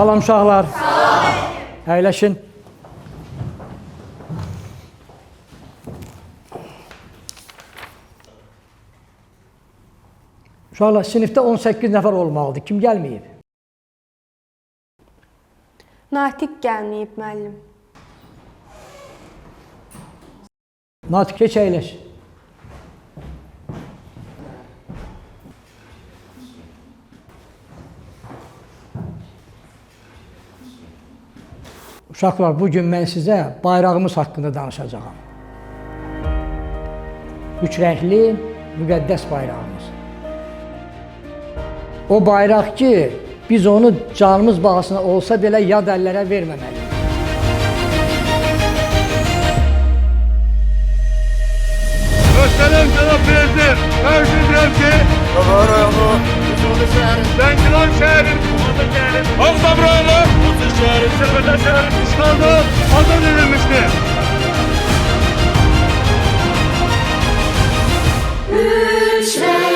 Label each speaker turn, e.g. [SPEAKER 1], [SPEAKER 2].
[SPEAKER 1] Salam uşaqlar. Əyləşin. Uşaqlar, sinifdə 18 nəfər olmalıdır. Kim gəlməyib?
[SPEAKER 2] Natiq gəlməyib, müəllim.
[SPEAKER 1] Natiq, keç əyləş. Uşaqlar, bugün mən sizə bayrağımız haqqında danışacağam. Üç rəngli, müqəddəs bayrağımız. O bayraq ki, biz onu canımız bahasına olsa belə yad əllərə verməməliyik.
[SPEAKER 3] Möhtərəm cənab prezident, mən bildirəm ki, Zəngilan şəhərin, Ağdam rayonu, Sırvətə şəhərin işğalda azad edilmişdir.
[SPEAKER 4] Üç